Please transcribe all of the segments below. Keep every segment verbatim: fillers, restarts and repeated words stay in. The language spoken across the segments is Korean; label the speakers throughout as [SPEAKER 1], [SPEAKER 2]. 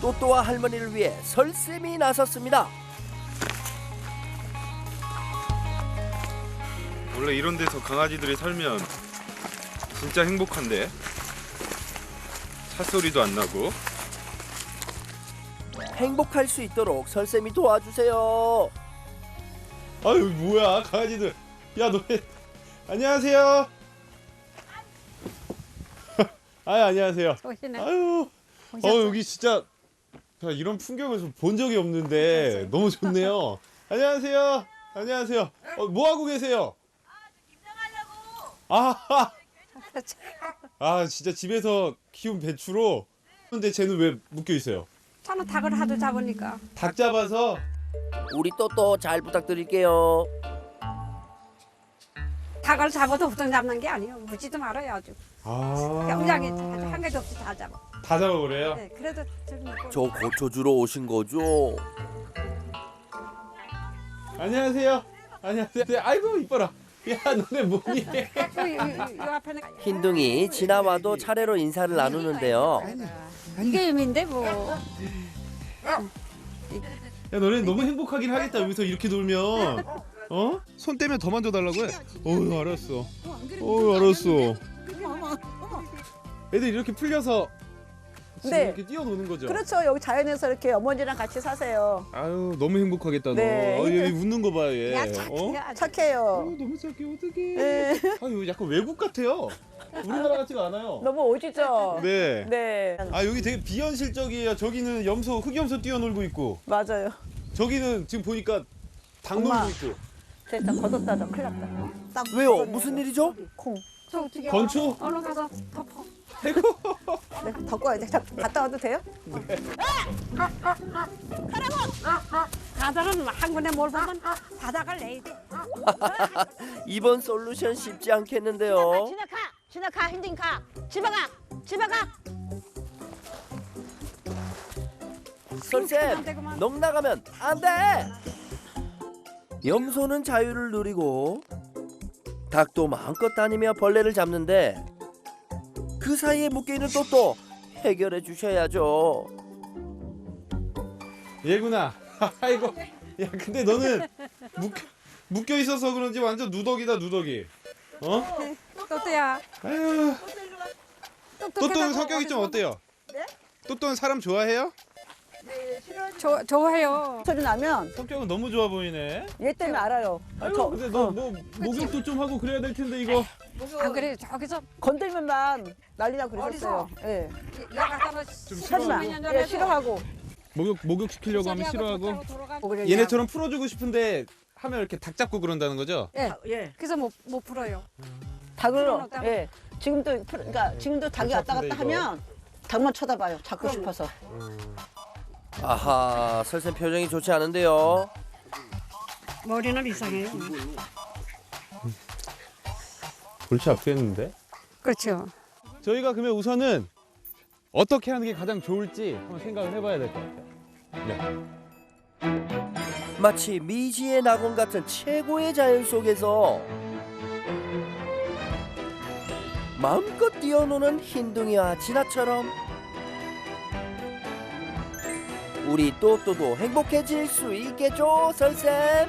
[SPEAKER 1] 또또와 할머니를 위해 설쌤이 나섰습니다.
[SPEAKER 2] 원래 이런 데서 강아지들이 살면 진짜 행복한데. 찻소리도 안 나고.
[SPEAKER 1] 행복할 수 있도록 설쌤이 도와주세요.
[SPEAKER 3] 아유 뭐야 강아지들. 야 너네 안녕하세요. 아유 안녕하세요.
[SPEAKER 4] 오시네.
[SPEAKER 3] 아유 어 여기 진짜 자, 이런 풍경을 본 적이 없는데 너무 좋네요. 안녕하세요. 안녕하세요. 어, 뭐 하고 계세요? 아, 아 진짜 집에서 키운 배추로. 근데 쟤는 왜 묶여 있어요?
[SPEAKER 4] 저는 닭을 하도 잡으니까.
[SPEAKER 3] 닭 잡아서.
[SPEAKER 1] 우리 또또 잘 부탁드릴게요.
[SPEAKER 4] 닭을 잡아도 보통 잡는 게 아니에요. 묻지도 말아요 아주.
[SPEAKER 3] 아.
[SPEAKER 4] 영장에 한 개도 없이 다 잡아.
[SPEAKER 3] 다 잡아버려요?
[SPEAKER 4] 네, 그래도 좀 먹고.
[SPEAKER 1] 저 고쳐 주러 오신 거죠?
[SPEAKER 3] 안녕하세요. 안녕하세요. 아이고 이뻐라. 야 너네 뭐니?
[SPEAKER 4] 요, 요, 요 앞에는
[SPEAKER 1] 흰둥이 지나와도 차례로 인사를 나누는데요.
[SPEAKER 4] 이게 의미인데 뭐.
[SPEAKER 3] 야 너네 너무 행복하긴 하겠다 여기서 이렇게 놀면. 어? 손 떼면 더 만져달라고 해. 어우 알았어. 어우 알았어. 애들 이렇게 풀려서 지금
[SPEAKER 5] 네.
[SPEAKER 3] 이렇게 뛰어노는 거죠?
[SPEAKER 5] 그렇죠. 여기 자연에서 이렇게 어머니랑 같이 사세요.
[SPEAKER 3] 아유 너무 행복하겠다 너.
[SPEAKER 5] 네.
[SPEAKER 3] 어, 얘 웃는 거 봐 얘.
[SPEAKER 4] 야
[SPEAKER 3] 어?
[SPEAKER 4] 착해. 아주.
[SPEAKER 5] 착해요.
[SPEAKER 3] 아유, 너무 착해 어떡해.
[SPEAKER 5] 네.
[SPEAKER 3] 아유 약간 외국 같아요. 우리나라 같지가 않아요.
[SPEAKER 5] 너무 오지죠?
[SPEAKER 3] 네.
[SPEAKER 5] 네.
[SPEAKER 3] 아 여기 되게 비현실적이에요. 저기는 염소 흑염소 뛰어놀고 있고
[SPEAKER 5] 맞아요.
[SPEAKER 3] 저기는 지금 보니까 닭
[SPEAKER 5] 엄마.
[SPEAKER 3] 놀고 있고.
[SPEAKER 5] 됐다. 걷었다. 너 큰일 났다. 딱
[SPEAKER 1] 왜요?
[SPEAKER 5] 걷었네.
[SPEAKER 1] 무슨 일이죠?
[SPEAKER 5] 콩.
[SPEAKER 4] 저 어떻게
[SPEAKER 3] 건초?
[SPEAKER 4] 얼른 가서 덮어.
[SPEAKER 5] 네, 덮어야 돼. 자, 갔다 와도 돼요?
[SPEAKER 4] 바다는 한 군데 뭘 보면 바다가 내야 돼.
[SPEAKER 1] 이번 솔루션 쉽지 않겠는데요.
[SPEAKER 5] 지나가. 지나가. 힘든 가. 집에 가. 집에 가.
[SPEAKER 1] 설쌤, 넋 나가면 안 돼. 염소는 자유를 누리고 닭도 마음껏 다니며 벌레를 잡는데 그 사이에 묶여있는 또또 해결해 주셔야죠.
[SPEAKER 3] 얘구나. 아이고. 야 근데 너는 묶여, 묶여 있어서 그런지 완전 누더기다 누더기. 어?
[SPEAKER 4] 또또야.
[SPEAKER 3] 아유. 또또는 성격이 좀 어때요?
[SPEAKER 5] 네?
[SPEAKER 3] 또또는 사람 좋아해요?
[SPEAKER 4] 저 좋아해요.
[SPEAKER 5] 소리 나면
[SPEAKER 3] 성격은 너무 좋아 보이네.
[SPEAKER 5] 얘 때문에 알아요.
[SPEAKER 3] 아유
[SPEAKER 5] 저
[SPEAKER 3] 근데 너 뭐 목욕도 좀 하고 그래야 될 텐데 이거.
[SPEAKER 4] 안 그래 저기서
[SPEAKER 5] 건들면만 난리나고 그랬었어요. 예.
[SPEAKER 4] 야 갖다가
[SPEAKER 5] 하지 마. 예, 싫어하고.
[SPEAKER 3] 목욕 목욕 시키려고 하면 싫어하고.
[SPEAKER 5] 뭐 그래,
[SPEAKER 3] 얘네처럼 풀어주고 싶은데 하면 이렇게 닭 잡고 그런다는 거죠?
[SPEAKER 4] 예.
[SPEAKER 5] 다- 예.
[SPEAKER 4] 그래서 못 못 풀어요.
[SPEAKER 5] 닭을
[SPEAKER 4] 풀어놓다가.
[SPEAKER 5] 예. 지금도 풀- 그러니까 지금도 닭이 왔다 갔다
[SPEAKER 3] 괜찮은데, 이거?
[SPEAKER 5] 하면 닭만 쳐다봐요. 잡고 싶어서.
[SPEAKER 1] 아하, 설쌤 표정이 좋지 않은데요.
[SPEAKER 4] 머리는 이상해요.
[SPEAKER 3] 골치 아프겠는데?
[SPEAKER 4] 그렇죠.
[SPEAKER 3] 저희가 그러면 우선은 어떻게 하는 게 가장 좋을지 한번 생각을 해봐야 될 것 같아요. 네.
[SPEAKER 1] 마치 미지의 낙원 같은 최고의 자연 속에서 마음껏 뛰어노는 흰둥이와 진아처럼 우리 또또도 행복해질 수 있겠죠, 설쌤?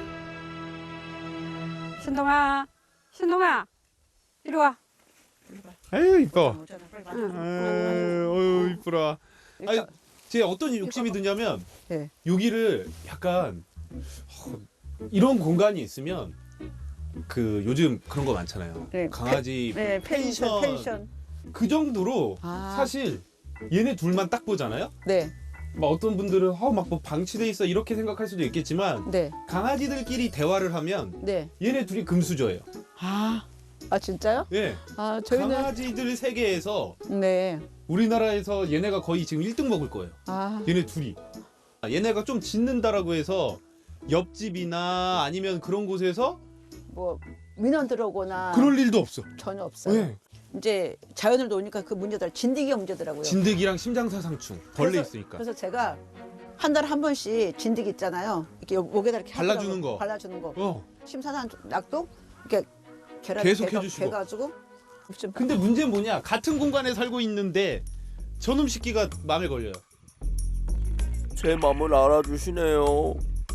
[SPEAKER 4] 신동아, 신동아, 이리 와.
[SPEAKER 3] 아유 이뻐.
[SPEAKER 4] 응.
[SPEAKER 3] 아유 어유 이쁘라. 아니 제 어떤 욕심이 드냐면
[SPEAKER 5] 네.
[SPEAKER 3] 여기를 약간 어, 이런 공간이 있으면 그 요즘 그런 거 많잖아요.
[SPEAKER 5] 네,
[SPEAKER 3] 강아지
[SPEAKER 5] 네,
[SPEAKER 3] 펜션,
[SPEAKER 5] 펜션, 펜션.
[SPEAKER 3] 그 정도로
[SPEAKER 5] 아.
[SPEAKER 3] 사실 얘네 둘만 딱 보잖아요.
[SPEAKER 5] 네,
[SPEAKER 3] 막 어떤 분들은 어막뭐 방치돼 있어 이렇게 생각할 수도 있겠지만
[SPEAKER 5] 네,
[SPEAKER 3] 강아지들끼리 대화를 하면
[SPEAKER 5] 네.
[SPEAKER 3] 얘네 둘이 금수저예요.
[SPEAKER 5] 아, 아 진짜요?
[SPEAKER 3] 예.
[SPEAKER 5] 아 저희는
[SPEAKER 3] 강아지들 세계에서
[SPEAKER 5] 네.
[SPEAKER 3] 우리나라에서 얘네가 거의 지금 일 등 먹을 거예요.
[SPEAKER 5] 아,
[SPEAKER 3] 얘네 둘이. 아, 얘네가 좀 짖는다라고 해서 옆집이나 아니면 그런 곳에서
[SPEAKER 5] 뭐 민원 들어오거나
[SPEAKER 3] 그럴 일도 없어.
[SPEAKER 5] 전혀 없어요.
[SPEAKER 3] 예.
[SPEAKER 5] 이제 자연을 놓으니까 그 문제들 진드기가 문제더라고요.
[SPEAKER 3] 진드기랑 심장사상충 벌레
[SPEAKER 5] 그래서-
[SPEAKER 3] 있으니까.
[SPEAKER 5] 그래서 제가 한 달에 한 번씩 진드기 있잖아요. 이렇게 목에다 이렇게
[SPEAKER 3] 발라주는
[SPEAKER 5] 하더라고요.
[SPEAKER 3] 거.
[SPEAKER 5] 발라주는 거.
[SPEAKER 3] 어.
[SPEAKER 5] 심사산 낙도 이렇게 계란
[SPEAKER 3] 계속
[SPEAKER 5] 개가-
[SPEAKER 3] 해주시고.
[SPEAKER 5] 개가지고 좀
[SPEAKER 3] 근데 문제는 뭐냐? 같은 공간에 살고 있는데 저놈 새끼가 마음에 걸려요.
[SPEAKER 1] 제 맘을 알아주시네요.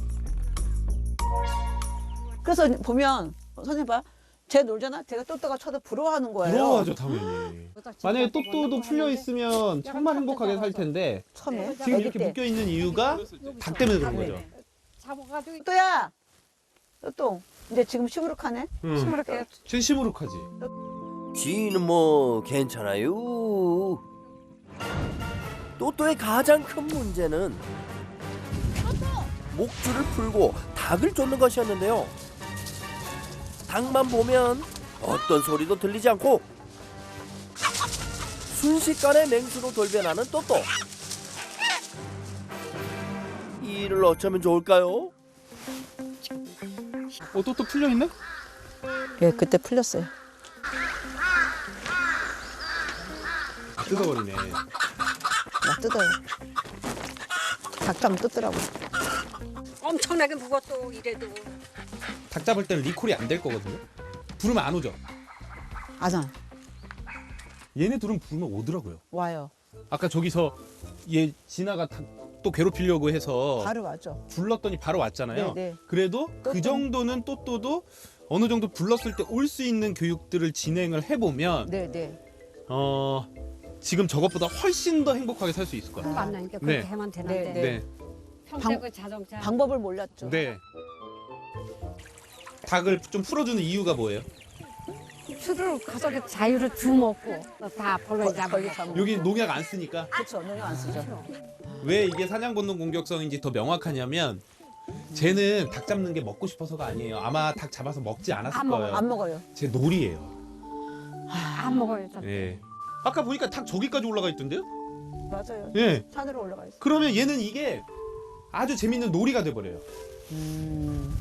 [SPEAKER 5] 그래서 보면 선생님 봐. 쟤 놀잖아. 제가 또또가 쳐도 부러워하는 거예요.
[SPEAKER 3] 부러워하죠 당연히. 만약에 또또도 풀려 있으면 정말 행복하게 살 텐데
[SPEAKER 5] 처음에
[SPEAKER 3] 지금 이렇게 묶여 있는 이유가 닭 때문에 그런 거죠.
[SPEAKER 4] 잡아가지고
[SPEAKER 5] 또또야. 또또. 근데 지금 시무룩하네.
[SPEAKER 3] 응.
[SPEAKER 4] 시무룩해.
[SPEAKER 3] 제 시무룩하지.
[SPEAKER 1] 지인은 뭐 괜찮아요. 또또의 가장 큰 문제는 목줄을 풀고 닭을 쫓는 것이었는데요. 닭만 보면 어떤 소리도 들리지 않고 순식간에 맹수로 돌변하는 또또. 이 일을 어쩌면 좋을까요?
[SPEAKER 3] 어 또또 풀려 있네?
[SPEAKER 5] 예, 그때 풀렸어요.
[SPEAKER 3] 뜯어버리네.
[SPEAKER 5] 막 뜯어요. 닭가면 뜯더라고.
[SPEAKER 4] 엄청나게 무겁고 이래도
[SPEAKER 3] 닭 잡을 때는 리콜이 안 될 거거든요. 부르면 안 오죠.
[SPEAKER 5] 아자
[SPEAKER 3] 얘네 둘은 부르면 오더라고요.
[SPEAKER 5] 와요.
[SPEAKER 3] 아까 저기서 얘 진아가 닭 또 괴롭히려고 해서
[SPEAKER 5] 바로 와죠.
[SPEAKER 3] 불렀더니 바로 왔잖아요.
[SPEAKER 5] 네, 네.
[SPEAKER 3] 그래도 그
[SPEAKER 5] 또또.
[SPEAKER 3] 정도는 또또도 어느 정도 불렀을 때 올 수 있는 교육들을 진행을 해보면
[SPEAKER 5] 네, 네.
[SPEAKER 3] 어 지금 저것보다 훨씬 더 행복하게 살 수 있을 것 같아요.
[SPEAKER 4] 만나니까 그렇게
[SPEAKER 3] 네.
[SPEAKER 4] 하면 되는데
[SPEAKER 5] 네,
[SPEAKER 3] 네.
[SPEAKER 4] 평생
[SPEAKER 5] 방-
[SPEAKER 4] 그 자동차
[SPEAKER 5] 방법을 몰랐죠.
[SPEAKER 3] 네. 닭을 좀 풀어주는 이유가 뭐예요?
[SPEAKER 4] 술을 가서 그 자유를 주먹고 다 벌레
[SPEAKER 5] 벌-
[SPEAKER 4] 잡아.
[SPEAKER 5] 벌레 잡아.
[SPEAKER 3] 여기 농약 안 쓰니까.
[SPEAKER 5] 그렇죠. 농약 안 쓰죠.
[SPEAKER 3] 왜 이게 사냥 본능 공격성인지 더 명확하냐면 쟤는 닭 잡는 게 먹고 싶어서가 아니에요. 아마 닭 잡아서 먹지 않았을
[SPEAKER 4] 안 먹어요.
[SPEAKER 3] 거예요.
[SPEAKER 5] 안 먹어요.
[SPEAKER 3] 제 놀이에요.
[SPEAKER 4] 안 먹어요.
[SPEAKER 3] 예. 아까 보니까 닭 저기까지 올라가 있던데요?
[SPEAKER 5] 맞아요.
[SPEAKER 3] 예.
[SPEAKER 5] 산으로 올라가 있어.
[SPEAKER 3] 그러면 얘는 이게 아주 재밌는 놀이가 돼 버려요.
[SPEAKER 5] 음.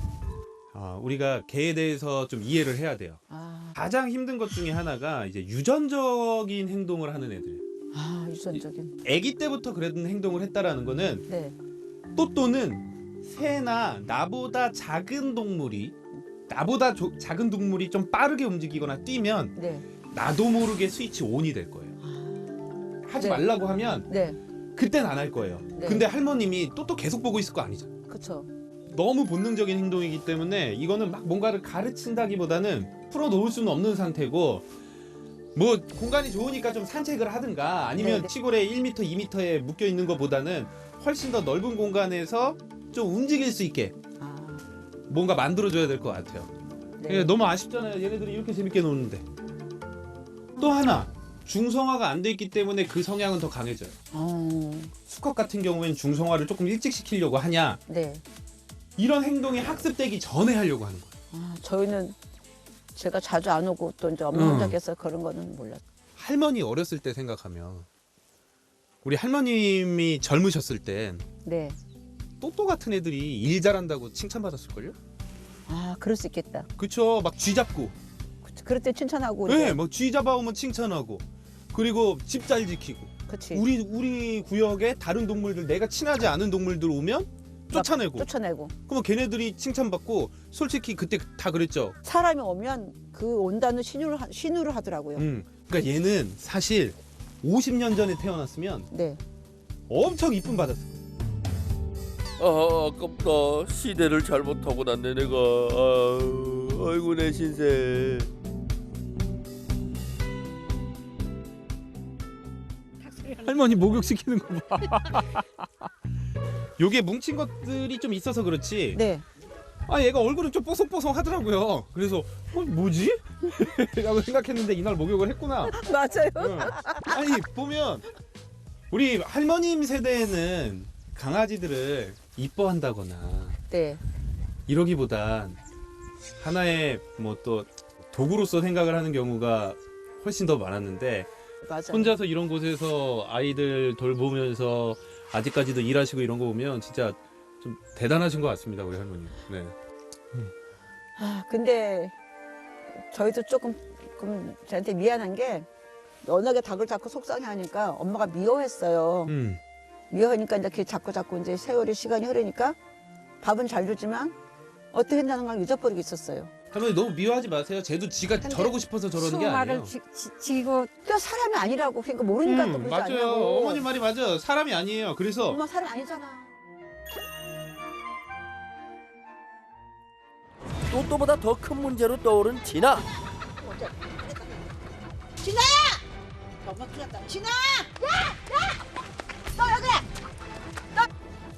[SPEAKER 3] 아, 우리가 개에 대해서 좀 이해를 해야 돼요.
[SPEAKER 5] 아,
[SPEAKER 3] 가장 힘든 것 중에 하나가 이제 유전적인 행동을 하는 애들.
[SPEAKER 5] 아 유전적인.
[SPEAKER 3] 아기 때부터 그런 행동을 했다라는 거는
[SPEAKER 5] 네.
[SPEAKER 3] 또또는 새나 나보다 작은 동물이 나보다 조- 작은 동물이 좀 빠르게 움직이거나 뛰면
[SPEAKER 5] 네.
[SPEAKER 3] 나도 모르게 스위치 온이 될 거예요. 하지
[SPEAKER 5] 네.
[SPEAKER 3] 말라고 하면
[SPEAKER 5] 네.
[SPEAKER 3] 그땐 안 할 거예요.
[SPEAKER 5] 네.
[SPEAKER 3] 근데 할머님이 또또 계속 보고 있을 거 아니죠.
[SPEAKER 5] 그렇죠.
[SPEAKER 3] 너무 본능적인 행동이기 때문에 이거는 막 뭔가를 가르친다기보다는 풀어놓을 수는 없는 상태고 뭐 공간이 좋으니까 좀 산책을 하든가 아니면
[SPEAKER 5] 네네.
[SPEAKER 3] 시골에 일 미터, 이 미터에 묶여 있는 것보다는 훨씬 더 넓은 공간에서 좀 움직일 수 있게
[SPEAKER 5] 아,
[SPEAKER 3] 뭔가 만들어줘야 될 것 같아요.
[SPEAKER 5] 네.
[SPEAKER 3] 예, 너무 아쉽잖아요. 얘네들이 이렇게 재밌게 노는데. 또 하나 중성화가 안 돼 있기 때문에 그 성향은 더 강해져요.
[SPEAKER 5] 어,
[SPEAKER 3] 수컷 같은 경우에는 중성화를 조금 일찍 시키려고 하냐
[SPEAKER 5] 네.
[SPEAKER 3] 이런 행동이 학습되기 전에 하려고 하는 거예요.
[SPEAKER 5] 아, 저희는 제가 자주 안 오고 또 이제 엄마
[SPEAKER 3] 음.
[SPEAKER 5] 혼자께서 그런 거는 몰랐.
[SPEAKER 3] 할머니 어렸을 때 생각하면 우리 할머님이 젊으셨을 땐
[SPEAKER 5] 네.
[SPEAKER 3] 또또 같은 애들이 일 잘한다고 칭찬받았을걸요?
[SPEAKER 5] 아, 그럴 수 있겠다.
[SPEAKER 3] 그쵸? 막 쥐 잡고
[SPEAKER 5] 그- 그럴 때 칭찬하고.
[SPEAKER 3] 네, 뭐 쥐 잡아오면 칭찬하고 그리고 집 잘 지키고
[SPEAKER 5] 그렇지.
[SPEAKER 3] 우리 우리 구역에 다른 동물들 내가 친하지 않은 동물들 오면 쫓아내고
[SPEAKER 5] 쫓아내고.
[SPEAKER 3] 그러면 걔네들이 칭찬받고 솔직히 그때 다 그랬죠.
[SPEAKER 5] 사람이 오면 그 온다는 신호를 하- 신호를 하더라고요.
[SPEAKER 3] 음. 그러니까 얘는 사실 오십 년 전에 태어났으면
[SPEAKER 5] 네.
[SPEAKER 3] 엄청 이쁨 받았어.
[SPEAKER 1] 아, 아깝다. 시대를 잘못 타고 났네 내가. 아, 아이고 내 신세.
[SPEAKER 3] 할머니 목욕시키는 거 봐. 요게 뭉친 것들이 좀 있어서 그렇지.
[SPEAKER 5] 네.
[SPEAKER 3] 아 얘가 얼굴은 좀 뽀송뽀송 하더라고요. 그래서 어, 뭐지? 라고 생각했는데 이날 목욕을 했구나.
[SPEAKER 5] 맞아요.
[SPEAKER 3] 응. 아니 보면 우리 할머님 세대에는 강아지들을 이뻐한다거나
[SPEAKER 5] 네.
[SPEAKER 3] 이러기보단 하나의 뭐 또 도구로서 생각을 하는 경우가 훨씬 더 많았는데
[SPEAKER 5] 맞아요.
[SPEAKER 3] 혼자서 이런 곳에서 아이들 돌보면서 아직까지도 일하시고 이런 거 보면 진짜 좀 대단하신 것 같습니다 우리 할머니. 네.
[SPEAKER 5] 아, 근데 저희도 조금 좀 저한테 미안한 게 워낙에 닭을 자꾸 속상해하니까 엄마가 미워했어요.
[SPEAKER 3] 음.
[SPEAKER 5] 미워하니까 이제 자꾸 자꾸 이제 세월이 시간이 흐르니까 밥은 잘 주지만 어떻게 한다는 걸 잊어버리고 있었어요.
[SPEAKER 3] 할머니 너무 미워하지 마세요. 쟤도 지가
[SPEAKER 4] 근데
[SPEAKER 3] 저러고 싶어서 저러는 게 아니에요.
[SPEAKER 4] 수말을 지, 지, 지고
[SPEAKER 5] 또 사람이 아니라고. 그러니까 모르니까 또
[SPEAKER 3] 음,
[SPEAKER 5] 그러지
[SPEAKER 3] 맞아요.
[SPEAKER 5] 않냐고.
[SPEAKER 3] 어머니 말이 맞아요. 사람이 아니에요. 그래서
[SPEAKER 5] 엄마 사람 아니잖아.
[SPEAKER 1] 또또보다 더 큰 문제로 떠오른 진아.
[SPEAKER 5] 진아야! 엄마 큰일 났다. 진아! 야! 야! 너 왜 그래?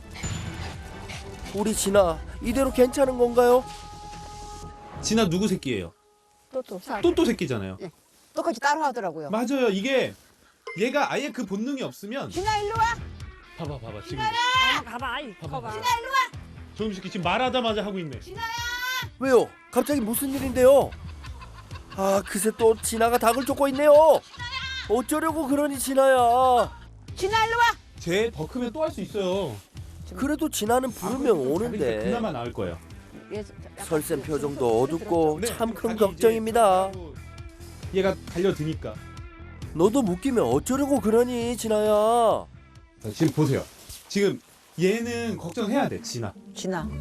[SPEAKER 1] 우리 진아 이대로 괜찮은 건가요?
[SPEAKER 3] 진아 누구 새끼예요?
[SPEAKER 5] 또또
[SPEAKER 3] 또또 새끼잖아요.
[SPEAKER 5] 똑같이 따로 하더라고요.
[SPEAKER 3] 맞아요. 이게 얘가 아예 그 본능이 없으면
[SPEAKER 5] 진아 일로 와.
[SPEAKER 3] 봐봐 봐봐 지금
[SPEAKER 4] 엄마 가봐 이거 봐.
[SPEAKER 3] 저놈 새끼 지금 말하자마자 하고 있네.
[SPEAKER 1] 왜요? 갑자기 무슨 일인데요? 아 그새 또 진아가 닭을 쫓고 있네요. 어쩌려고 그러니 진아야.
[SPEAKER 5] 진아 일로 와.
[SPEAKER 3] 쟤 더 크면 또 할 수 있어요.
[SPEAKER 1] 그래도 진아는 부르면
[SPEAKER 3] 닭이
[SPEAKER 1] 오는데
[SPEAKER 3] 그나마 나을 거예요.
[SPEAKER 1] 설쌤 표정도 어둡고
[SPEAKER 3] 네,
[SPEAKER 1] 참 큰
[SPEAKER 3] 닭이
[SPEAKER 1] 걱정입니다.
[SPEAKER 3] 이제 얘가 달려드니까.
[SPEAKER 1] 너도 묶이면 어쩌려고 그러니 진아야.
[SPEAKER 3] 자, 지금 보세요. 지금 얘는 걱정해야 돼. 진아.
[SPEAKER 5] 진아.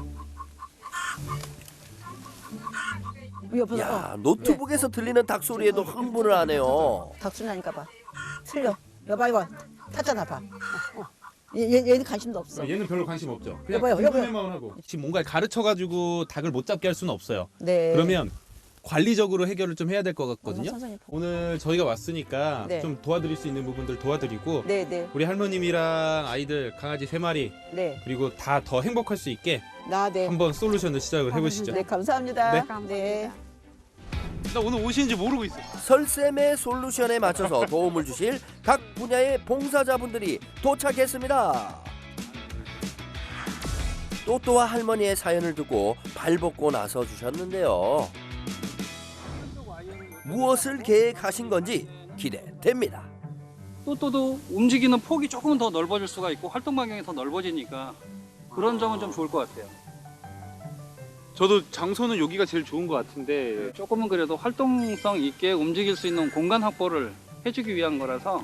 [SPEAKER 5] 옆에서 어,
[SPEAKER 1] 야 노트북에서 들리는 닭 소리에도 흥분을 하네요.
[SPEAKER 5] 닭소리 나니까 봐. 틀려. 여봐 이거 타짜나 봐. 얘, 얘, 얘는 관심도 없어.
[SPEAKER 3] 얘는 별로 관심 없죠. 그냥
[SPEAKER 5] 여보요, 여보요.
[SPEAKER 3] 궁금해만 하고. 지금 뭔가 가르쳐가지고 닭을 못 잡게 할 수는 없어요.
[SPEAKER 5] 네.
[SPEAKER 3] 그러면 관리적으로 해결을 좀 해야 될 것 같거든요.
[SPEAKER 5] 선생님.
[SPEAKER 3] 오늘 저희가 왔으니까
[SPEAKER 5] 네.
[SPEAKER 3] 좀 도와드릴 수 있는 부분들 도와드리고
[SPEAKER 5] 네, 네,
[SPEAKER 3] 우리 할머님이랑 아이들 강아지 세 마리
[SPEAKER 5] 네.
[SPEAKER 3] 그리고 다 더 행복할 수 있게
[SPEAKER 5] 나 네.
[SPEAKER 3] 한번 솔루션을 시작을 해보시죠.
[SPEAKER 5] 네, 감사합니다.
[SPEAKER 3] 네.
[SPEAKER 5] 네.
[SPEAKER 3] 나 오늘 오시는지 모르고 있어.
[SPEAKER 1] 설쌤의 솔루션에 맞춰서 도움을 주실 각 분야의 봉사자분들이 도착했습니다. 또또와 할머니의 사연을 듣고 발벗고 나서 주셨는데요. 무엇을 계획하신 건지 기대됩니다.
[SPEAKER 6] 또또도 움직이는 폭이 조금은 더 넓어질 수가 있고 활동 반경이 더 넓어지니까 그런 점은 좀 좋을 것 같아요.
[SPEAKER 2] 저도 장소는 여기가 제일 좋은 것 같은데
[SPEAKER 6] 조금은 그래도 활동성 있게 움직일 수 있는 공간 확보를 해주기 위한 거라서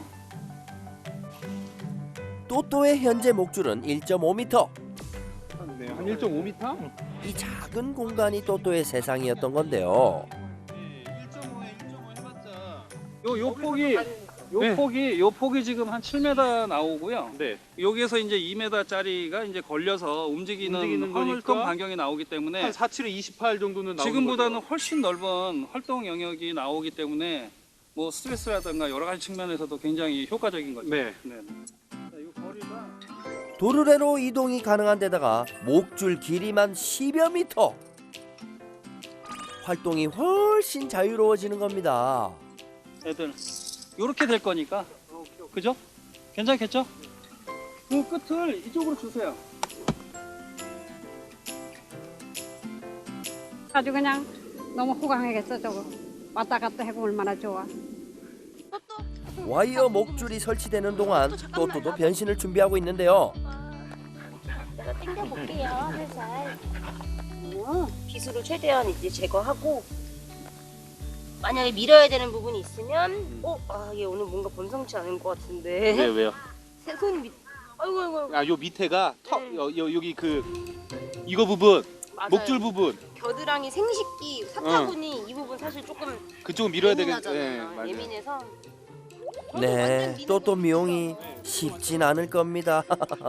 [SPEAKER 1] 또또의 현재 목줄은 일 점 오 미터.
[SPEAKER 2] 네, 한 일 점 오 미터?
[SPEAKER 1] 이 작은 공간이 또또의 세상이었던 건데요.
[SPEAKER 6] 요, 요 폭이 요
[SPEAKER 2] 네.
[SPEAKER 6] 폭이 요 폭이 지금 한 칠 미터 나오고요.
[SPEAKER 2] 네.
[SPEAKER 6] 여기에서 이제 이 미터짜리가 이제 걸려서 움직이는,
[SPEAKER 2] 움직이는
[SPEAKER 6] 활동
[SPEAKER 2] 거니까
[SPEAKER 6] 반경이 나오기 때문에
[SPEAKER 2] 한 사, 칠에 이십팔 정도는 나오는
[SPEAKER 6] 지금보다는
[SPEAKER 2] 거죠.
[SPEAKER 6] 훨씬 넓은 활동 영역이 나오기 때문에 뭐 스트레스라든가 여러 가지 측면에서도 굉장히 효과적인 거죠.
[SPEAKER 2] 네.
[SPEAKER 6] 네. 자, 이 거리가
[SPEAKER 1] 도르래로 이동이 가능한 데다가 목줄 길이만 십여 미터. 활동이 훨씬 자유로워지는 겁니다.
[SPEAKER 6] 애들 요렇게 될 거니까 그죠? 괜찮겠죠? 그 끝을 이쪽으로 주세요.
[SPEAKER 4] 아주 그냥 너무 호강하겠어 저거. 왔다 갔다 해고 얼마나 좋아.
[SPEAKER 1] 와이어 목줄이 설치되는 동안 또또도 변신을 준비하고 있는데요.
[SPEAKER 7] 내가 당겨볼게요, 살살. 어, 비수를 최대한 이제 제거하고 만약에 밀어야 되는 부분이 있으면 어? 아, 얘 오늘 뭔가 범상치 않은 것 같은데
[SPEAKER 2] 왜 왜요?
[SPEAKER 7] 새 손 밑... 아이고 아이고 아이고.
[SPEAKER 2] 아, 요 밑에가 턱
[SPEAKER 7] 네.
[SPEAKER 2] 여, 여, 여기 그 이거 부분
[SPEAKER 7] 맞아요.
[SPEAKER 2] 목줄 부분
[SPEAKER 7] 겨드랑이 생식기 사타구니 이 부분 사실 조금
[SPEAKER 2] 그쪽은 밀어야 되겠. 네,
[SPEAKER 7] 예민하잖아요.
[SPEAKER 2] 맞아요.
[SPEAKER 7] 예민해서
[SPEAKER 1] 네, 또또 미용이 쉽진 않을 겁니다.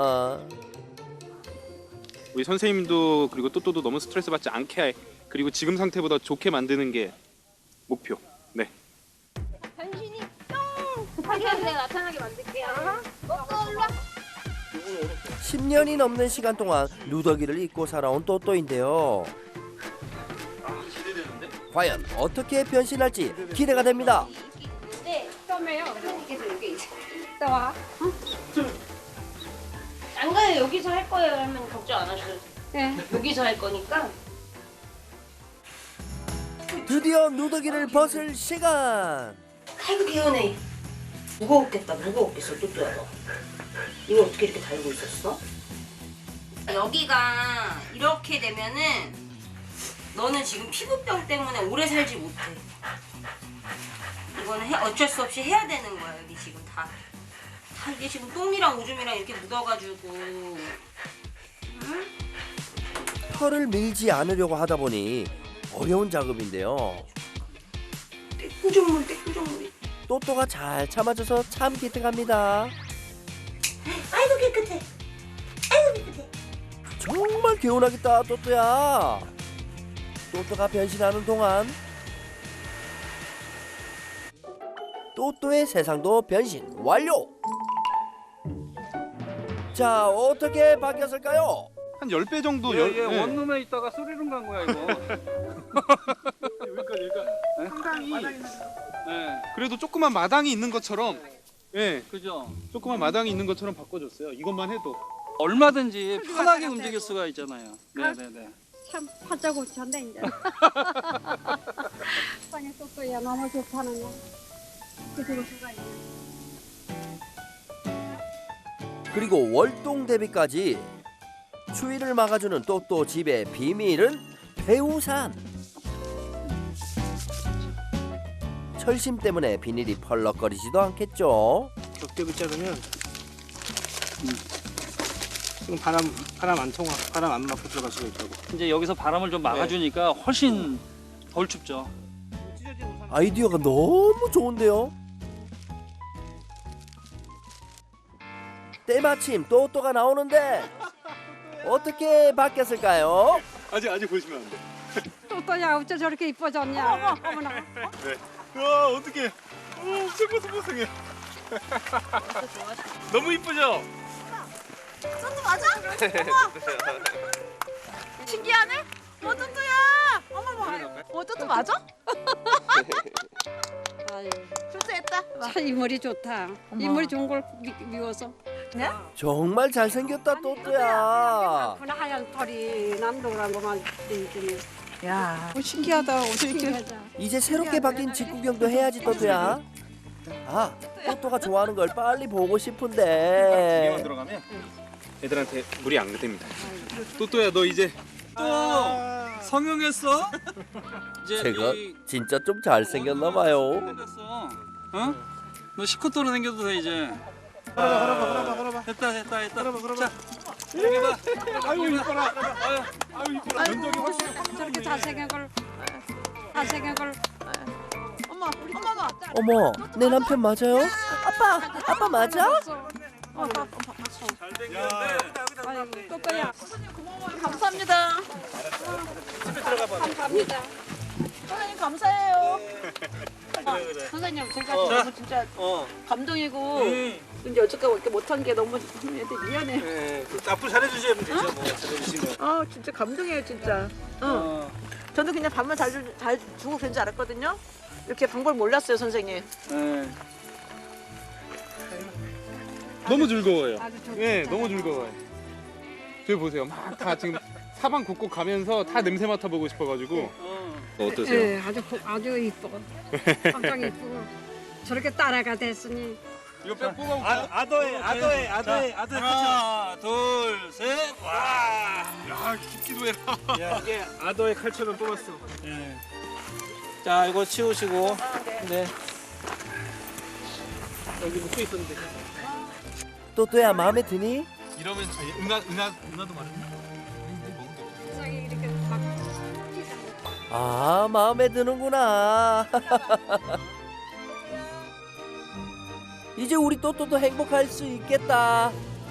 [SPEAKER 2] 우리 선생님도 그리고 또또도 너무 스트레스 받지 않게 그리고 지금 상태보다 좋게 만드는 게 목표. 네.
[SPEAKER 7] 변신이 뿅! 급하게 하면 내가 나타나게 만들게요. 어, 어, 일로 와.
[SPEAKER 1] 십 년이 넘는 시간 동안 누더기를 입고 살아온 또또인데요. 과연 어떻게 변신할지 기대가 됩니다.
[SPEAKER 7] 이게 있는데
[SPEAKER 4] 썸해요.
[SPEAKER 7] 선생님께서 여기 이제
[SPEAKER 4] 또 와.
[SPEAKER 7] 안 가요. 여기서 할 거예요 하면 걱정 안 하셔도 돼요.
[SPEAKER 4] 네.
[SPEAKER 7] 여기서 할 거니까
[SPEAKER 1] 드디어 누더기를 벗을 시간.
[SPEAKER 7] 아이고 귀여우네. 무거웠겠다. 무거웠겠어. 또또야 너. 이거 어떻게 이렇게 달고 있었어? 여기가 이렇게 되면은 너는 지금 피부병 때문에 오래 살지 못해. 이거는 해, 어쩔 수 없이 해야 되는 거야. 여기 지금 다. 다 이게 지금 똥이랑 오줌이랑 이렇게 묻어가지고. 응?
[SPEAKER 1] 털을 밀지 않으려고 하다 보니 어려운 작업인데요.
[SPEAKER 7] 구조물, 구조물이.
[SPEAKER 1] 또또가 잘 참아줘서 참 기특합니다.
[SPEAKER 7] 아이고 깨끗해. 아이고 깨끗해.
[SPEAKER 1] 정말 개운하겠다 또또야. 또또가 변신하는 동안 또또의 세상도 변신 완료. 자, 어떻게 바뀌었을까요?
[SPEAKER 2] 한 십 배 정도
[SPEAKER 6] 얘,
[SPEAKER 2] 열,
[SPEAKER 6] 얘
[SPEAKER 2] 네.
[SPEAKER 6] 원룸에 있다가 스리룸 간 거야 이거. 여기까지 여기까지.
[SPEAKER 2] 상당히
[SPEAKER 6] 네,
[SPEAKER 2] 그래도 조그만 마당이 있는 것처럼 예,
[SPEAKER 6] 그죠.
[SPEAKER 2] 조그만 마당이 있는 것처럼 바꿔줬어요. 이것만 해도.
[SPEAKER 6] 얼마든지 편하게 움직일 수가 있잖아요. 네네네.
[SPEAKER 4] 참 하자고 전데 이제. 빵에 또또야 너무 좋다는 거. 그럴 수가 있네.
[SPEAKER 1] 그리고 월동 대비까지 추위를 막아주는 또또 집의 비밀은 배우산. 철심 때문에 비닐이 펄럭거리지도 않겠죠.
[SPEAKER 8] 격대기 자르면 지금 바람 바람 안 통하 바람 안 맞고 들어갈 수가 있다고.
[SPEAKER 6] 이제 여기서 바람을 좀 막아주니까 훨씬 덜 춥죠.
[SPEAKER 1] 아이디어가 너무 좋은데요. 때마침 또또가 나오는데 어떻게 바뀌었을까요?
[SPEAKER 2] 아직 아직 보시면 안 돼.
[SPEAKER 4] 또또야 어째 저렇게 이뻐졌냐? 어머, 어머나.
[SPEAKER 2] 와 어떡해. 오 생보생보생해. 너무 이쁘죠?
[SPEAKER 5] 쫀득 맞아? 신기하네? 어 쫀득야. 어머머. 어 쫀득 맞아?
[SPEAKER 4] 아유,
[SPEAKER 5] 출세했다.
[SPEAKER 4] 참 이물이 좋다. 이물이 좋은 걸 미, 미워서.
[SPEAKER 5] 네?
[SPEAKER 1] 정말 잘생겼다 또또야.
[SPEAKER 4] 그나 하얀 털이 남동그란 것만 있더니.
[SPEAKER 5] 야, 어, 신기하다. 어떻게 이렇게
[SPEAKER 4] 신기하다.
[SPEAKER 1] 이제 새롭게 바뀐 직구경도 해야지 또또야. 아, 또또가 좋아하는 걸 빨리 보고 싶은데.
[SPEAKER 2] 여기만 들어가면 애들한테 물이 안 됩니다. 또또야 너 이제
[SPEAKER 6] 또 성형했어? 이제
[SPEAKER 1] 제가
[SPEAKER 6] 여기
[SPEAKER 1] 진짜 좀 잘생겼나 봐요.
[SPEAKER 6] 됐어. 어? 너 시커터로 생겨도 돼 이제.
[SPEAKER 8] 걸어봐 걸어봐 걸어봐 걸어봐.
[SPEAKER 6] 됐다 됐다 됐다.
[SPEAKER 8] 걸어봐 걸어봐.
[SPEAKER 6] 자, 여기 봐.
[SPEAKER 2] 아유 이뻐라. 아유 아유 이뻐라. 면적이 훨씬
[SPEAKER 4] 저렇게 잘생긴 걸 잘생긴 걸
[SPEAKER 5] 어머, 어머머.
[SPEAKER 1] 어머, 내 남편 맞아요? 아빠, 아빠 맞아?
[SPEAKER 5] 어, 봐, 봐, 봐.
[SPEAKER 6] 잘생겼네.
[SPEAKER 4] 아이고 또또야
[SPEAKER 5] 감사합니다.
[SPEAKER 4] 감사합니다.
[SPEAKER 5] 선생님 감사해요.
[SPEAKER 4] 선생님 제가
[SPEAKER 5] 너무 진짜
[SPEAKER 6] 어.
[SPEAKER 5] 감동이고
[SPEAKER 6] 음.
[SPEAKER 5] 근데 여태까지 이렇게 못한 게 너무 애들 미안해.
[SPEAKER 8] 네, 그 앞으로 잘해주시면 되죠. 뭐 잘해주시면.
[SPEAKER 5] 아 진짜 감동이에요 진짜. 응.
[SPEAKER 6] 어.
[SPEAKER 5] 저는 그냥 밥만 잘, 주, 잘 주고 그런 줄 알았거든요. 이렇게 방법을 몰랐어요 선생님.
[SPEAKER 6] 네.
[SPEAKER 2] 너무 즐거워요.
[SPEAKER 4] 아주 좋-
[SPEAKER 2] 네,
[SPEAKER 4] 좋잖아요.
[SPEAKER 2] 너무 즐거워요. 저기 보세요. 막 다 지금 사방 곳곳 가면서 다 냄새 맡아보고 싶어가지고.
[SPEAKER 6] 어.
[SPEAKER 2] 어떠세요?
[SPEAKER 4] 예, 아주 고- 아주 이뻐. 깜짝 이쁘고 저렇게 따라가 됐으니
[SPEAKER 2] 이거 뼈 뽑아볼까?
[SPEAKER 8] 아, 아도의 아도의 아도의 아도의
[SPEAKER 6] 하나, 둘, 셋. 와.
[SPEAKER 2] 야, 깊기도 해라.
[SPEAKER 8] 야, 이게 아도의 칼처럼 뽑았어. 예. 자, 이거 치우시고. 네. 여기 묵고 있었는데.
[SPEAKER 1] 또또야 마음에 드니?
[SPEAKER 2] 이러면 저희 은하 은하 은하도 마렵네.
[SPEAKER 4] 세상에 이렇게 막
[SPEAKER 1] 아, 마음에 드는구나. 이제 우리 또또도 행복할 수 있겠다.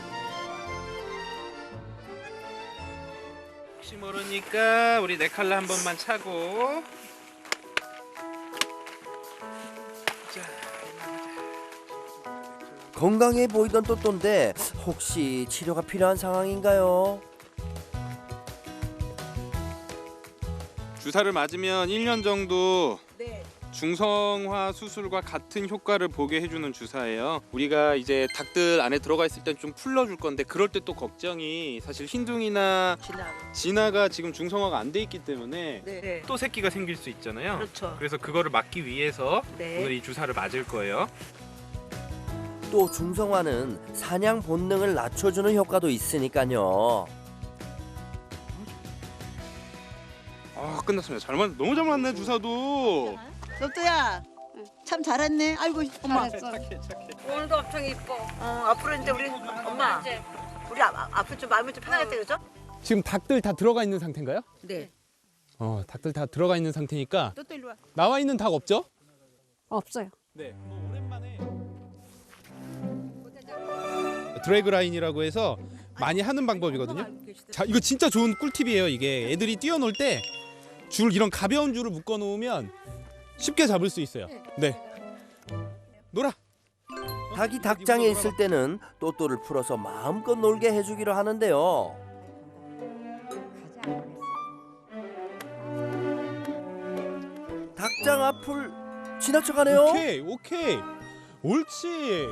[SPEAKER 2] 혹시 모르니까 우리 네 칼라 한 번만 차고.
[SPEAKER 1] 건강해 보이던 또또인데 혹시 치료가 필요한 상황인가요?
[SPEAKER 2] 주사를 맞으면 일 년 정도
[SPEAKER 5] 네.
[SPEAKER 2] 중성화 수술과 같은 효과를 보게 해주는 주사예요. 우리가 이제 닭들 안에 들어가 있을 땐 좀 풀러줄 건데 그럴 때 또 걱정이 사실 흰둥이나
[SPEAKER 5] 진아.
[SPEAKER 2] 진아가 지금 중성화가 안 돼 있기 때문에
[SPEAKER 5] 네.
[SPEAKER 2] 또 새끼가 생길 수 있잖아요.
[SPEAKER 5] 그렇죠.
[SPEAKER 2] 그래서 그거를 막기 위해서
[SPEAKER 5] 네.
[SPEAKER 2] 오늘 이 주사를 맞을 거예요.
[SPEAKER 1] 또 중성화는 사냥 본능을 낮춰주는 효과도 있으니까요.
[SPEAKER 2] 아 끝났습니다. 잘 맞, 너무 잘 맞네 주사도.
[SPEAKER 5] 또또야. 참 잘했네. 아이고 엄마.
[SPEAKER 4] 잘했어. 오늘도 엄청 이뻐.
[SPEAKER 5] 어, 앞으로 이제 우리 엄마.
[SPEAKER 4] 이제
[SPEAKER 5] 우리 아, 앞으로 좀 마음이 좀 편하겠다 그죠?
[SPEAKER 9] 지금 닭들 다 들어가 있는 상태인가요?
[SPEAKER 5] 네.
[SPEAKER 3] 어, 닭들 다 들어가 있는 상태니까
[SPEAKER 5] 또또 일로 와.
[SPEAKER 3] 나와 있는 닭 없죠?
[SPEAKER 4] 없어요.
[SPEAKER 3] 네. 오랜만에 드래그 라인이라고 해서 많이 하는 방법이거든요. 자, 이거 진짜 좋은 꿀팁이에요. 이게 애들이 뛰어놀 때 줄 이런 가벼운 줄을 묶어 놓으면 쉽게 잡을 수 있어요. 네. 놀아.
[SPEAKER 1] 닭이 닭장에 있을 때는 또또를 풀어서 마음껏 놀게 해주기로 하는데요. 닭장 앞을 지나쳐가네요.
[SPEAKER 3] 오케이, 오케이. 옳지.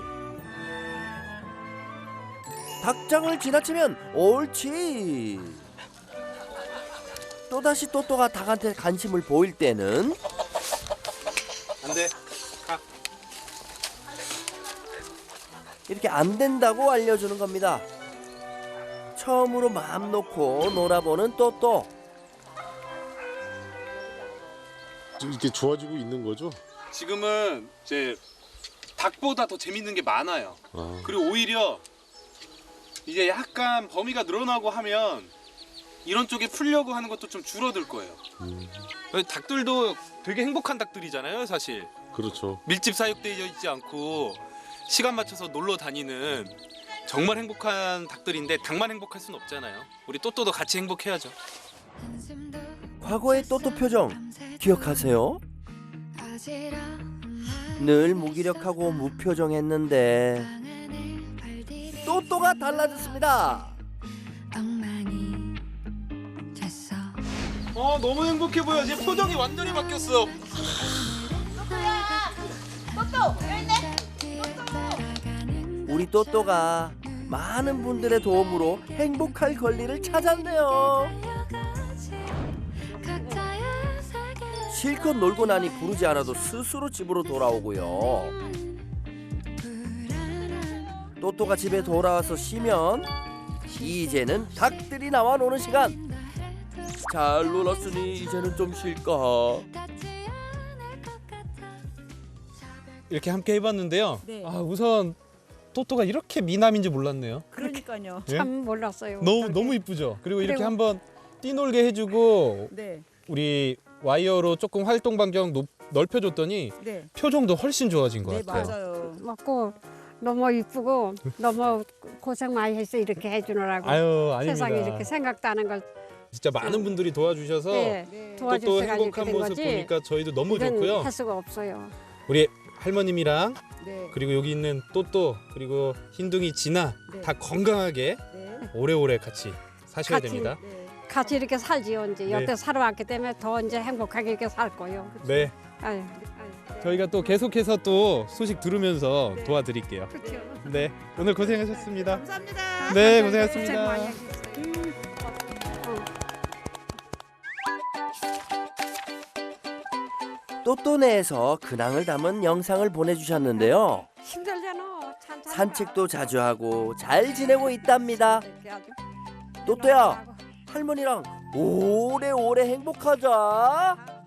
[SPEAKER 1] 닭장을 지나치면 옳지. 또다시 또또가 닭한테 관심을 보일 때는
[SPEAKER 2] 안 돼. 가.
[SPEAKER 1] 이렇게 안 된다고 알려주는 겁니다. 처음으로 마음 놓고 놀아보는 또또.
[SPEAKER 9] 이렇게 좋아지고 있는 거죠?
[SPEAKER 2] 지금은 이제 닭보다 더 재밌는 게 많아요.
[SPEAKER 9] 아.
[SPEAKER 2] 그리고 오히려 이제 약간 범위가 늘어나고 하면 이런 쪽에 풀려고 하는 것도 좀 줄어들 거예요.
[SPEAKER 9] 음.
[SPEAKER 2] 닭들도 되게 행복한 닭들이잖아요, 사실.
[SPEAKER 9] 그렇죠.
[SPEAKER 2] 밀집 사육되어 있지 않고 시간 맞춰서 놀러 다니는 정말 행복한 닭들인데 닭만 행복할 수는 없잖아요. 우리 또또도 같이 행복해야죠.
[SPEAKER 1] 과거의 또또 표정 기억하세요? 늘 무기력하고 무표정했는데 또또가 달라졌습니다.
[SPEAKER 2] 어, 너무 행복해 보여. 지금 표정이 완전히 바뀌었어.
[SPEAKER 1] 우리 또또가 많은 분들의 도움으로 행복할 권리를 찾았네요. 실컷 놀고 나니 부르지 않아도 스스로 집으로 돌아오고요. 또또가 집에 돌아와서 쉬면 이제는 닭들이 나와 노는 시간. 잘 놀았으니 이제는 좀 쉴까.
[SPEAKER 3] 이렇게 함께 해봤는데요.
[SPEAKER 5] 네.
[SPEAKER 3] 아, 우선 또또가 이렇게 미남인지 몰랐네요.
[SPEAKER 5] 그러니까요.
[SPEAKER 3] 예?
[SPEAKER 4] 참 몰랐어요.
[SPEAKER 3] 너무
[SPEAKER 4] 어떻게.
[SPEAKER 3] 너무 이쁘죠. 그리고 이렇게
[SPEAKER 4] 그리고-
[SPEAKER 3] 한번 뛰놀게 해주고
[SPEAKER 5] 네.
[SPEAKER 3] 우리 와이어로 조금 활동 반경 높, 넓혀줬더니
[SPEAKER 5] 네.
[SPEAKER 3] 표정도 훨씬 좋아진 것
[SPEAKER 5] 네,
[SPEAKER 3] 같아요.
[SPEAKER 5] 맞아요.
[SPEAKER 4] 먹고 너무 이쁘고 너무 고생 많이 했어 이렇게 해주느라고.
[SPEAKER 3] 아유, 아닙니다.
[SPEAKER 4] 세상에 이렇게 생각도 안 한 걸
[SPEAKER 3] 진짜 많은 분들이 도와주셔서
[SPEAKER 4] 네,
[SPEAKER 5] 네.
[SPEAKER 3] 또또
[SPEAKER 4] 도와주셔서 이렇게
[SPEAKER 3] 행복한
[SPEAKER 4] 된
[SPEAKER 3] 모습
[SPEAKER 4] 거지.
[SPEAKER 3] 보니까 저희도 너무
[SPEAKER 4] 이건
[SPEAKER 3] 좋고요.
[SPEAKER 4] 할 수가 없어요.
[SPEAKER 3] 우리 할머님이랑
[SPEAKER 5] 네.
[SPEAKER 3] 그리고 여기 있는 또또 그리고 흰둥이 진아
[SPEAKER 5] 네.
[SPEAKER 3] 다 건강하게
[SPEAKER 5] 네.
[SPEAKER 3] 오래오래 같이 사셔야
[SPEAKER 4] 같이.
[SPEAKER 3] 됩니다.
[SPEAKER 5] 네.
[SPEAKER 4] 같이 이렇게 살지요 이제
[SPEAKER 3] 네.
[SPEAKER 4] 여태 살아왔기 때문에 더 이제 행복하게 이렇게 살 거예요.
[SPEAKER 3] 네,
[SPEAKER 4] 아유, 아유.
[SPEAKER 3] 저희가 또 계속해서 또 소식 들으면서
[SPEAKER 5] 네.
[SPEAKER 3] 도와드릴게요.
[SPEAKER 4] 그렇죠.
[SPEAKER 3] 네, 오늘 고생하셨습니다.
[SPEAKER 5] 감사합니다.
[SPEAKER 3] 네,
[SPEAKER 4] 고생
[SPEAKER 3] 고생하셨습니다.
[SPEAKER 4] 많이 했어요. 어.
[SPEAKER 1] 또또네에서 근황을 담은 영상을 보내주셨는데요.
[SPEAKER 4] 힘들잖아. 찬- 찬-
[SPEAKER 1] 산책도 자주 하고 잘 지내고 있답니다.
[SPEAKER 4] 이렇게 아주
[SPEAKER 1] 또또야,
[SPEAKER 4] 하고.
[SPEAKER 1] 할머니랑 오래오래 행복하자.